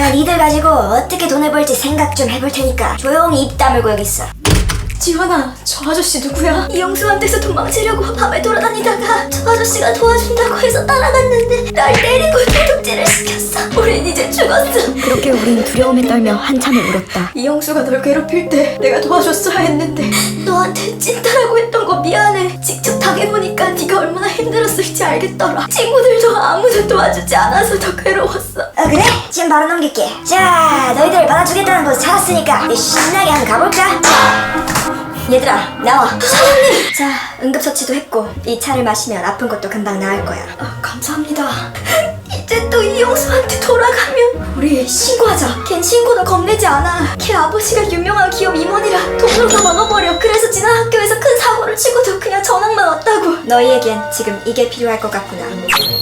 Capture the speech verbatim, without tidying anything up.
내가 니들 가지고 어떻게 돈을 벌지 생각 좀 해볼 테니까 조용히 입 다물고 여기 있어. 지환아, 저 아저씨 누구야? 이영수한테서 도망치려고 밤에 돌아다니다가 저 아저씨가 도와준다고 해서 따라갔는데 날 때리고 도둑질을 시켰어. 우린 이제 죽었어. 그렇게 우린 두려움에 떨며 한참을 울었다. 이영수가 널 괴롭힐 때 내가 도와줬어야 했는데 너한테 찐따라고 했던 거 미안해. 직접 당해보니까 네가 얼마나 힘들었을지 알겠더라. 친구들도 아무도 도와주지 않아서 더 괴로웠어. 어 그래? 지금 바로 넘길게. 자, 너희들 받아주겠다는 곳 찾았으니까 이제 신나게 한번 가볼까? 얘들아, 나와. 사장님! 자, 응급처치도 했고 이 차를 마시면 아픈 것도 금방 나을 거야. 아, 감사합니다. 이제 또 이영수한테 돌아가면 우리 신고하자. 걘 신고는 겁내지 않아. 걔 아버지가 유명한 기업 임원이라 돈으로 다 막아버려. 그래서 지난 학교에서 큰 사고를 치고도 그냥 전학만 왔다고. 너희에겐 지금 이게 필요할 것 같구나.